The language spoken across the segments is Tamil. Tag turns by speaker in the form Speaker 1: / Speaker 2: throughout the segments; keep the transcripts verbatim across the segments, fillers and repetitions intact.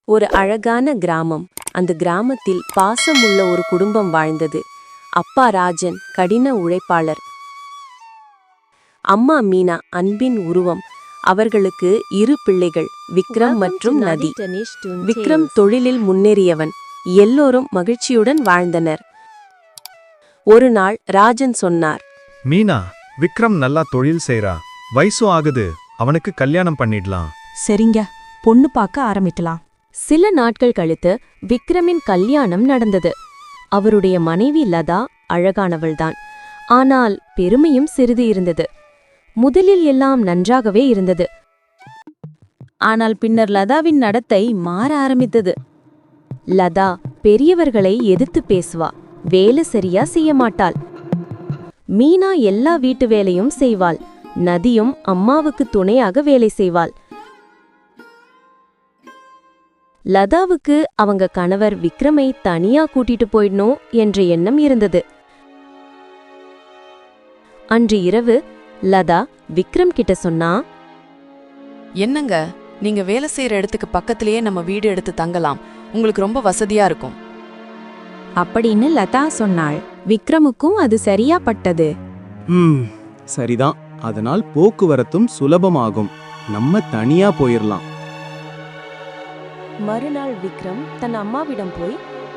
Speaker 1: ஒரு அழகான கிராமம். அந்த கிராமத்தில் பாசமுள்ள ஒரு குடும்பம் வாழ்ந்தது. அப்பா ராஜன் கடின உழைப்பாளர், அம்மா மீனா அன்பின் உருவம். அவர்களுக்கு இரு பிள்ளைகள், விக்ரம் மற்றும் நதி. விக்ரம் தொழிலில் முன்னேறியவன். எல்லோரும் மகிழ்ச்சியுடன் வாழ்ந்தனர். ஒரு நாள் ராஜன் சொன்னார்,
Speaker 2: மீனா, விக்ரம் நல்லா தொழில் செய்றா, வயசு ஆகுது, அவனுக்கு கல்யாணம் பண்ணிடலாம்.
Speaker 3: சரிங்க, பொண்ணு பார்க்க ஆரம்பிக்கலாம்.
Speaker 1: சில நாட்கள் கழித்து விக்ரமின் கல்யாணம் நடந்தது. அவருடைய மனைவி லதா அழகானவள்தான், ஆனால் பெருமையும் சிறிது இருந்தது. முதலில் எல்லாம் நன்றாகவே இருந்தது. ஆனால் பின்னர் லதாவின் நடத்தை மாற ஆரம்பித்தது. லதா பெரியவர்களை எதிர்த்து பேசுவா, வேலை சரியா செய்ய மாட்டாள். மீனா எல்லா வீட்டு வேலையும் செய்வாள். நதியும் அம்மாவுக்கு துணையாக வேலை செய்வாள். லதாவுக்கு அவங்க கணவர் விக்ரமை தனியா கூட்டிட்டு போயிடணும் என்ற எண்ணம் இருந்தது. அன்று இரவு லதா விக்ரம் கிட்ட சொன்னா,
Speaker 4: என்னங்க, நீங்க வேலை செய்யற இடத்துக்கு பக்கத்திலேயே நம்ம வீடு எடுத்து தங்கலாம், உங்களுக்கு ரொம்ப வசதியா இருக்கும்
Speaker 3: அப்படின்னு லதா சொன்னாள். விக்ரமுக்கும் அது சரியா பட்டது.
Speaker 5: ம் சரிதான், அதனால் போக்குவரத்தும் சுலபமாகும். நம்ம தனியா போயிரலாம்.
Speaker 1: மறுநாள் விக்ரம் தன் அம்மாவிடம் போய்,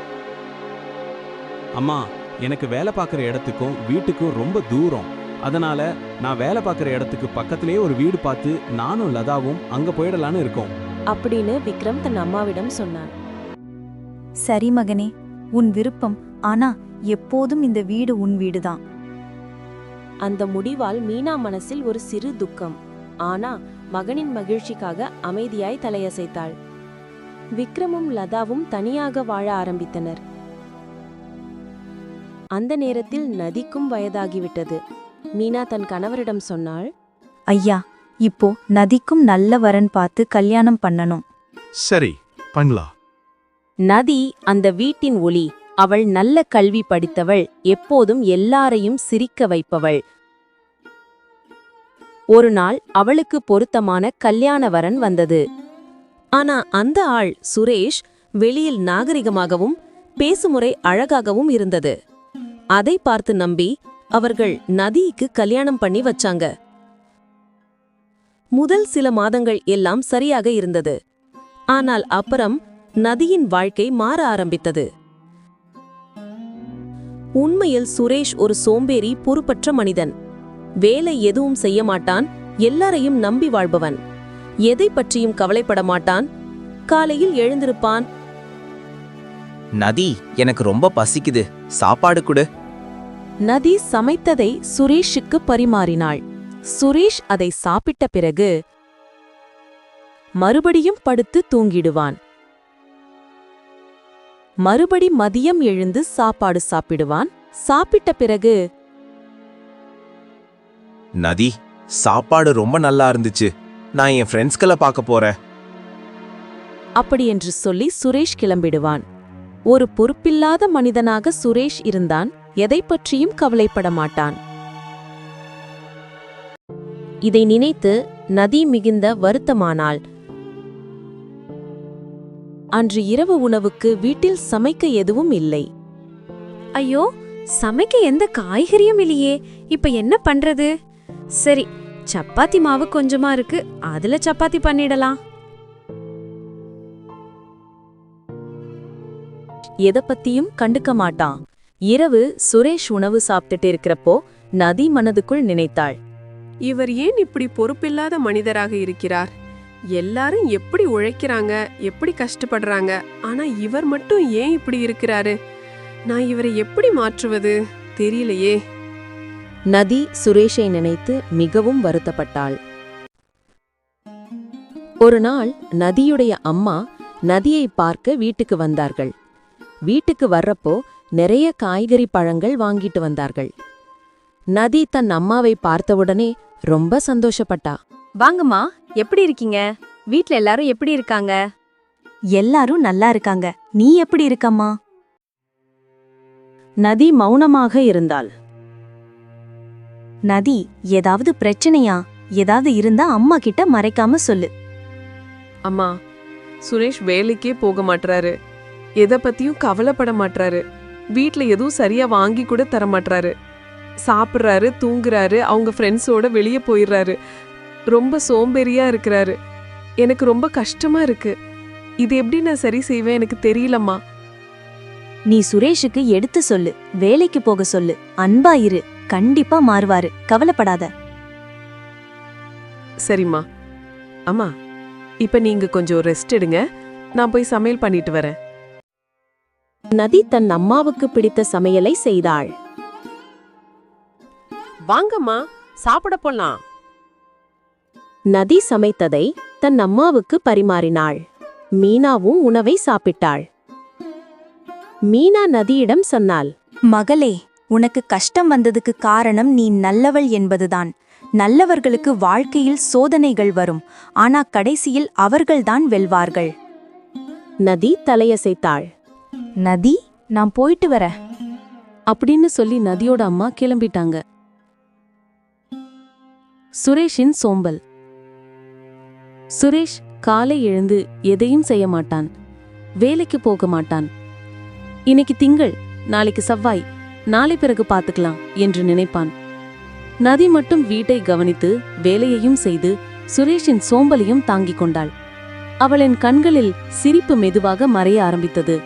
Speaker 5: அம்மா, எனக்கு வேலை பார்க்குற இடத்துக்கும் வீட்டுக்கும் ரொம்ப தூரம். அதனால நான் வேலை பார்க்குற இடத்துக்கு பக்கத்திலேயே ஒரு வீடு பார்த்து நானும் லதாவும் அங்க போயிடலான்னு இருக்கோம்
Speaker 1: அப்படின்னு விக்ரம் தன் அம்மாவிடம் சொன்னான்.
Speaker 6: சரி மகனே, உன் விருப்பம். ஆனா எப்போதும் இந்த வீடு உன் வீடுதான்.
Speaker 1: அந்த முடிவால் மீனா மனசில் ஒரு சிறு துக்கம். ஆனா மகனின் மகிழ்ச்சிக்காக அமைதியாய் தலையசைத்தாள். விக்ரமும் லதாவும் தனியாக வாழ ஆரம்பித்தனர். அந்த நேரத்தில் நதிக்கும் வயதாகிவிட்டது. மீனா தன் கணவரிடம் சொன்னாள்,
Speaker 6: ஐயா, இப்போ நதிக்கும் நல்ல வரன் பார்த்து கல்யாணம் பண்ணணும்.
Speaker 2: சரி, பண்ணலாம்.
Speaker 1: நதி அந்த வீட்டின் ஒளி. அவள் நல்ல கல்வி படித்தவள், எப்போதும் எல்லாரையும் சிரிக்க வைப்பவள். ஒரு நாள் அவளுக்கு பொருத்தமான கல்யாண வரன் வந்தது. ஆனா அந்த ஆள் சுரேஷ் வெளியில் நாகரிகமாகவும் பேசுமுறை அழகாகவும் இருந்தது. அதை பார்த்து நம்பி அவர்கள் நதிக்கு கல்யாணம் பண்ணி வச்சாங்க. முதல் சில மாதங்கள் எல்லாம் சரியாக இருந்தது. ஆனால் அப்புறம் நதியின் வாழ்க்கை மாற ஆரம்பித்தது. உண்மையில் சுரேஷ் ஒரு சோம்பேறி, பொறுப்பற்ற மனிதன். வேலை எதுவும் செய்ய மாட்டான், எல்லாரையும் நம்பி வாழ்பவன். எதை பற்றியும் கவலைப்பட மாட்டான். காலையில் எழுந்திருப்பான்.
Speaker 7: நதி, எனக்கு ரொம்ப பசிக்குது, சாப்பாடு கொடு.
Speaker 1: நதி சமைத்ததை சுரேஷுக்கு பரிமாறினாள். சுரேஷ் அதை சாப்பிட்ட பிறகு மறுபடியும் படுத்து தூங்கிடுவான். மறுபடி மதியம் எழுந்து சாப்பாடு சாப்பிடுவான். சாப்பிட்ட பிறகு,
Speaker 7: நதி, சாப்பாடு ரொம்ப நல்லா இருந்துச்சு, நான் என் ஃப்ரெண்ட்ஸ்களை பார்க்க போறேன்
Speaker 1: அப்படியென்று சொல்லி சுரேஷ் கிளம்பிடுவான். ஒரு பொறுப்பில்லாத மனிதனாக சுரேஷ் இருந்தான். எதை பற்றியும் கவலைப்பட மாட்டான். இதை நினைத்து நதி மிகுந்த வருத்தமானாள். அன்று இரவு உணவுக்கு வீட்டில் சமைக்க எதுவும் இல்லை.
Speaker 8: ஐயோ, சமைக்க எந்த காய்கறியும் இல்லையே, இப்ப என்ன பண்றது? சரி, சப்பாத்தி மாவு கொஞ்சமா இருக்கு, அதுல சப்பாத்தி பண்ணிடலாம்.
Speaker 1: எதை பத்தியும் கண்டுக்க மாட்டான். இரவு சுரேஷ் உணவு சாப்பிட்டுட்டு இருக்கிறப்போ நதி மனதுக்குள் நினைத்தாள்,
Speaker 9: இவர் ஏன் இப்படி பொறுப்பில்லாத மனிதராக இருக்கிறார்? எல்லாரும் எப்படி உழைக்கிறாங்க, எப்படி கஷ்டப்படுறாங்க, ஆனா இவர் மட்டும் ஏன் இப்படி இருக்கிறாரு? நான் இவரை எப்படி மாற்றுவது தெரியலையே.
Speaker 1: நதி சுரேஷை நினைத்து மிகவும் வருத்தப்பட்டாள். ஒரு நாள் நதியுடைய அம்மா நதியை பார்க்க வீட்டுக்கு வந்தார்கள். வீட்டுக்கு வர்றப்போ நிறைய காய்கறி பழங்கள் வாங்கிட்டு வந்தார்கள். நதி தன் அம்மாவை பார்த்தவுடனே ரொம்ப சந்தோஷப்பட்டா.
Speaker 8: வாங்கம்மா, எப்படி இருக்கீங்க? வீட்ல எல்லாரும் எப்படி இருக்காங்க?
Speaker 6: எல்லாரும் நல்லா இருக்காங்க. நீ எப்படி இருக்கம்மா?
Speaker 1: நதி மௌனமாக இருந்தாள்.
Speaker 6: நதி, ஏதாவது பிரச்சனையா? ஏதாவது இருந்தா அம்மா கிட்ட மறைக்காம சொல்லு.
Speaker 9: அம்மா, சுரேஷ் வேலைக்கே போக மாட்றாரு, எதை பத்தியும் கவலைப்பட மாட்றாரு, வீட்ல எதுவும் சரியா வாங்கி கூட தர மாட்றாரு. சாப்பிட்றாரு, தூங்குறாரு, அவங்க ஃப்ரெண்ட்ஸோட வெளியே போயிடுறாரு. ரொம்ப சோம்பேறியா இருக்கிறாரு. எனக்கு ரொம்ப கஷ்டமா இருக்கு. இது எப்படி நான் சரி செய்வேன் எனக்கு தெரியலம்மா.
Speaker 6: நீ சுரேஷுக்கு எடுத்து சொல்லு, வேலைக்கு போக சொல்லு, அன்பா இரு, கண்டிப்பா மாறுவாரு, கவலைப்படாத.
Speaker 9: சரிம்மா. அம்மா, இப்ப நீங்க கொஞ்சம் ரெஸ்ட் எடுங்க, நான் போய் சமையல் பண்ணிட்டு வரேன்.
Speaker 1: நதி தன் அம்மாவுக்கு பிடித்த சமையலை செய்தாள்.
Speaker 9: வாங்கம்மா, சாப்பிட போலாம்.
Speaker 1: நதி சமைத்ததை தன் அம்மாவுக்கு பரிமாறினாள். மீனாவும் உணவை சாப்பிட்டாள். மீனா நதியிடம் சொன்னாள்,
Speaker 6: மகளே, உனக்கு கஷ்டம் வந்ததுக்கு காரணம் நீ நல்லவள் என்பதுதான். நல்லவர்களுக்கு வாழ்க்கையில் சோதனைகள் வரும், ஆனா கடைசியில் அவர்கள்தான் வெல்வார்கள்.
Speaker 1: நதி தலையசைத்தாள்.
Speaker 6: நதி, நான் போயிட்டு வரேன்
Speaker 1: அப்படின்னு சொல்லி நதியோட அம்மா கிளம்பிட்டாங்க. சுரேஷின் சோம்பல். சுரேஷ் காலை எழுந்து எதையும் செய்ய மாட்டான், வேலைக்கு போக மாட்டான். இன்னைக்கு திங்கள், நாளைக்கு செவ்வாய், நாளை பிறகு பார்த்துக்கலாம் என்று நினைப்பான். நதி மட்டும் வீட்டை கவனித்து வேலையையும் செய்து சுரேஷின் சோம்பலையும் தாங்கிக் கொண்டாள். அவளின் கண்களில் சிரிப்பு மெதுவாக மறைய ஆரம்பித்தது.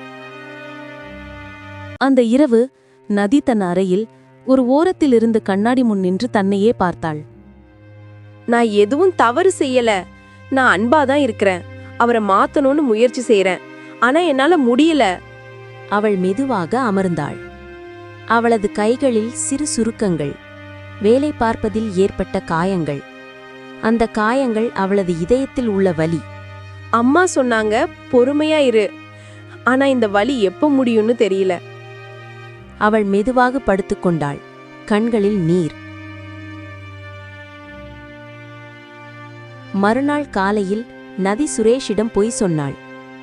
Speaker 1: அந்த இரவு நதி தன் அறையில் ஒரு ஓரத்தில் இருந்து கண்ணாடி முன் நின்று தன்னையே பார்த்தாள்.
Speaker 8: நான் எதுவும் தவறு செய்யல, நான் அன்பாதான் இருக்கிறேன், அவரை மாத்தணும்னு முயற்சி செய்யறேன், ஆனா என்னால முடியல.
Speaker 1: அவள் மெதுவாக அமர்ந்தாள். அவளது கைகளில் சிறு சுருக்கங்கள், வேலை பார்ப்பதில் ஏற்பட்ட காயங்கள். அந்த காயங்கள் அவளது இதயத்தில் உள்ள வலி.
Speaker 8: அம்மா சொன்னாங்க பொறுமையா இரு, ஆனா இந்த வலி எப்ப முடியும்னு தெரியல.
Speaker 1: அவள் மெதுவாக படுத்துக்கொண்டாள், கண்களில் நீர். மறுநாள் காலையில் நதி சுரேஷிடம் பொய் சொன்னாள்.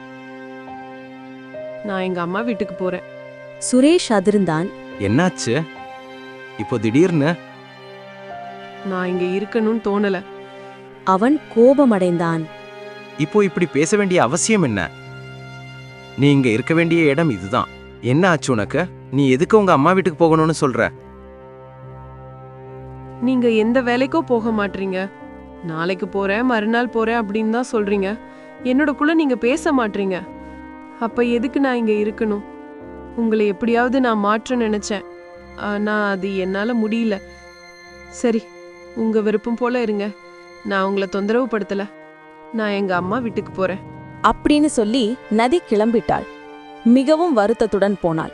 Speaker 9: நான் எங்க அம்மா வீட்டுக்கு போறேன்.
Speaker 1: சுரேஷ் அதிர்ந்தான்.
Speaker 7: என்னாச்சு இப்போ திடீர்னு?
Speaker 9: நான் இங்க இருக்கணும்னு தோணல.
Speaker 1: அவன் கோபமடைந்தான்.
Speaker 7: இப்போ இப்படி பேச வேண்டிய அவசியம் என்ன? நீ இங்க இருக்க வேண்டிய இடம் இதுதான். என்ன ஆச்சு உனக்கு? நீ எதுக்கு உங்க அம்மா வீட்டுக்கு போகணும்னு சொல்ற?
Speaker 9: நீங்க எந்த வேலைக்கோ போக மாட்டீங்க. நாளைக்கு போறேன், மறுநாள் போறேன் அப்படின்னு தான் சொல்றீங்க. என்னோட குள்ள நீங்க பேச மாட்டீங்க. அப்ப எதுக்கு நான் இங்க இருக்கணும்? உங்களை எப்படியாவது நான் மாற்ற நினைச்சேன், ஆனா அது என்னால முடியல. சரி, உங்க விருப்பம் போல இருங்க, நான் உங்களை தொந்தரவு படுத்தல. நான் எங்க அம்மா வீட்டுக்கு போறேன்
Speaker 3: அப்படின்னு சொல்லி நதி கிளம்பிட்டாள். மிகவும் வருத்தத்துடன் போனாள்.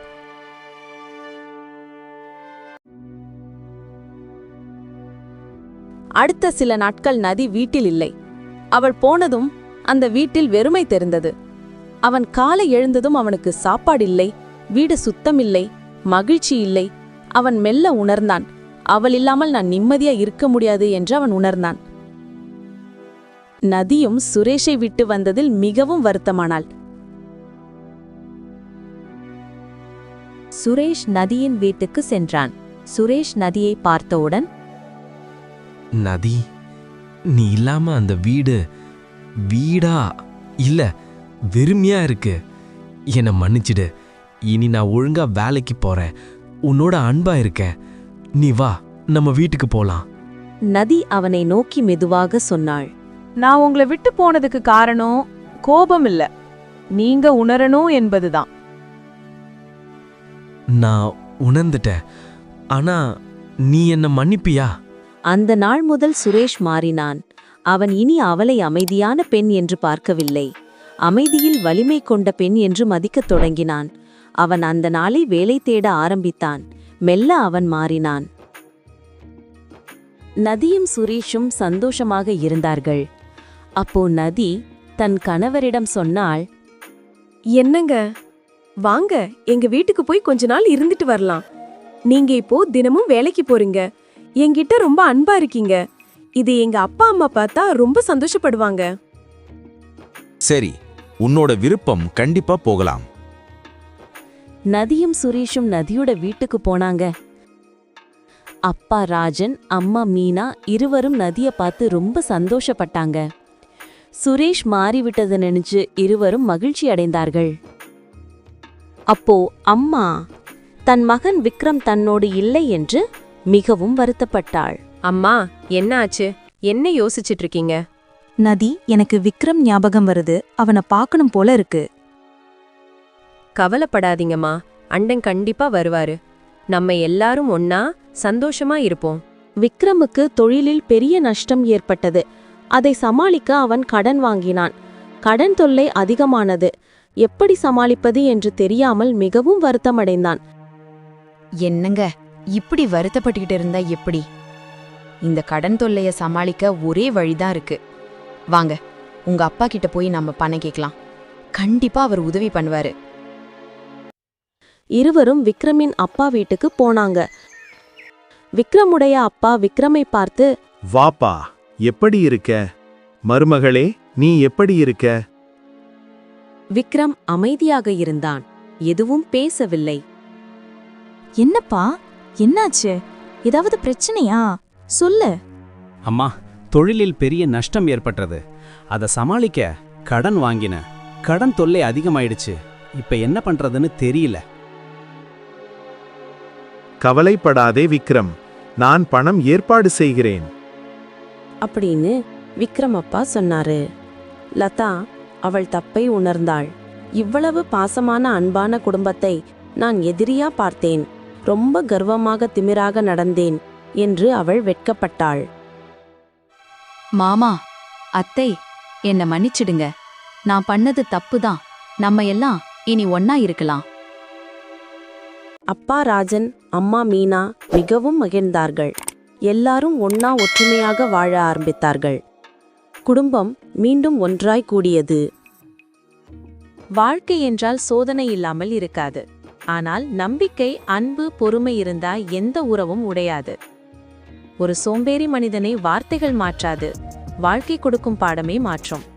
Speaker 3: அடுத்த சில நாட்கள் நதி வீட்டில் இல்லை. அவள் போனதும் அந்த வீட்டில் வெறுமை தெரிந்தது. அவன் காலை எழுந்ததும் அவனுக்கு சாப்பாடில்லை, வீடு சுத்தமில்லை, மகிழ்ச்சி இல்லை. அவன் மெல்ல உணர்ந்தான், அவள் இல்லாமல் நான் நிம்மதியா இருக்க முடியாது என்று அவன் உணர்ந்தான். நதியும் சுரேஷை விட்டு வந்ததில் மிகவும் வருத்தமானாள்.
Speaker 1: சுரேஷ் நதியின் வீட்டுக்கு சென்றான். சுரேஷ் நதியை பார்த்தவுடன்,
Speaker 10: நதி, நீ இல்லாம அந்த வீடு வீடா இல்ல வெறுமையா இருக்கு. என்னை மன்னிச்சிடு. இனி நான் ஒழுங்கா வேலைக்கு போறேன், உன்னோட அன்பா இருக்கேன். நீ வா, நம்ம வீட்டுக்கு போலாம்.
Speaker 1: நதி அவனை நோக்கி மெதுவாக சொன்னாள்.
Speaker 3: நான் உங்களை விட்டு போனதுக்கு காரணம் கோபம் இல்ல, நீங்க உணரணும் என்பதுதான்.
Speaker 10: நான் உணர்ந்துட்டேன், ஆனா நீ என்ன மன்னிப்பியா?
Speaker 1: அந்த நாள் முதல் சுரேஷ் மாறினான். அவன் இனி அவளை அமைதியான பெண் என்று பார்க்கவில்லை, அமைதியில் வலிமை கொண்ட பெண் என்று மதிக்கத் தொடங்கினான். அவன் அந்த நாளை வேலை தேட ஆரம்பித்தான். மெல்ல அவன் மாறினான். நதியும் சுரேஷும் சந்தோஷமாக இருந்தார்கள். அப்போ நதி தன் கணவரிடம் சொன்னாள்,
Speaker 8: என்னங்க, வாங்க எங்க வீட்டுக்கு போய் கொஞ்ச நாள் இருந்துட்டு வரலாம். நீங்க இப்போ தினமும் வேலைக்கு போறீங்க, என்கிட்ட ரொம்ப அன்பா இருக்கீங்க. இது எங்க அப்பா அம்மா பார்த்தா ரொம்ப சந்தோஷப்படுவாங்க.
Speaker 7: சரி, உன்னோட விருப்பம், கண்டிப்பா போகலாம்.
Speaker 1: நதியும் சுரேஷும் நதியோட வீட்டுக்கு போனாங்க. அப்பா ராஜன், அம்மா மீனா இருவரும் நதிய பார்த்து ரொம்ப சந்தோஷப்பட்டாங்க. சுரேஷ் மாறிவிட்டது நினைச்சு இருவரும் மகிழ்ச்சி அடைந்தார்கள். அப்போ அம்மா தன் மகன் விக்ரம் தன்னோடு இல்லை என்று மிகவும் வருத்தப்பட்டாள்.
Speaker 8: அம்மா என்ன ஆச்சு? என்ன யோசிச்சிட்டு இருக்கீங்க?
Speaker 6: நதி, எனக்கு விக்ரம் ஞாபகம் வருது. அவனை பார்க்கணும் போல இருக்கு.
Speaker 8: கவலைப்படாதீங்கம்மா, அண்டன் கண்டிப்பா வருவாரு. நம்ம எல்லாரும் ஒன்னா சந்தோஷமா இருப்போம்.
Speaker 1: விக்ரமுக்கு தொழிலில் பெரிய நஷ்டம் ஏற்பட்டது. அதை சமாளிக்க அவன் கடன் வாங்கினான். கடன் தொல்லை அதிகமானது. எப்படி சமாளிப்பது என்று தெரியாமல் மிகவும் வருத்தமடைந்தான்.
Speaker 11: என்னங்க இப்படி வருத்தப்பட்டுக்கிட்டு இருந்தா எப்படி? இந்த கடன் தொல்லைய சமாளிக்க ஒரே வழிதான் இருக்கு. வாங்க, உங்க அப்பா கிட்ட போய் நம்ம பணம் கேட்கலாம். கண்டிப்பா அவர் உதவி பண்ணுவாரு.
Speaker 1: இருவரும் விக்ரமின் அப்பா வீட்டுக்கு போனாங்க. விக்ரமுடைய அப்பா விக்ரமை பார்த்து,
Speaker 2: வாப்பா, எப்படி இருக்க? மருமகளே, நீ எப்படி இருக்க?
Speaker 1: விக்ரம் அமைதியாக இருந்தான். எதுவும் பேசவில்லை.
Speaker 6: என்னப்பா, என்னாச்சு? ஏதாவது பிரச்சனையா? சொல்லு.
Speaker 5: அம்மா, தொழிலில் பெரிய நஷ்டம் ஏற்பட்டது. அதை சமாளிக்க கடன் வாங்கின. கடன் தொல்லை அதிகமாயிடுச்சு. இப்ப என்ன பண்றதுன்னு தெரியல.
Speaker 2: கவலைப்படாதே விக்ரம், நான் பணம் ஏற்பாடு செய்கிறேன்
Speaker 3: அப்படின்னு விக்ரம் அப்பா சொன்னாரு. லதா அவள் தப்பை உணர்ந்தாள். இவ்வளவு பாசமான அன்பான குடும்பத்தை நான் எதிரியா பார்த்தேன். ரொம்ப கர்வமாக திமிராக நடந்தேன் என்று அவள் வெட்கப்பட்டாள்.
Speaker 11: மாமா, அத்தை, என்ன மன்னிச்சிடுங்க. நான் பண்ணது தப்புதான். நம்ம எல்லாம் இனி ஒன்னா இருக்கலாம்.
Speaker 3: அப்பா ராஜன், அம்மா மீனா மிகவும் மகிழ்ந்தார்கள். எல்லாரும் ஒன்னா ஒற்றுமையாக வாழ ஆரம்பித்தார்கள். குடும்பம் மீண்டும் ஒன்றாய் கூடியது.
Speaker 1: வாழ்க்கை என்றால் சோதனை இல்லாமல் இருக்காது. ஆனால் நம்பிக்கை, அன்பு, பொறுமை இருந்தா எந்த உறவும் உடையாது. ஒரு சோம்பேறி மனிதனை வார்த்தைகள் மாற்றாது, வாழ்க்கை கொடுக்கும் பாடமே மாற்றும்.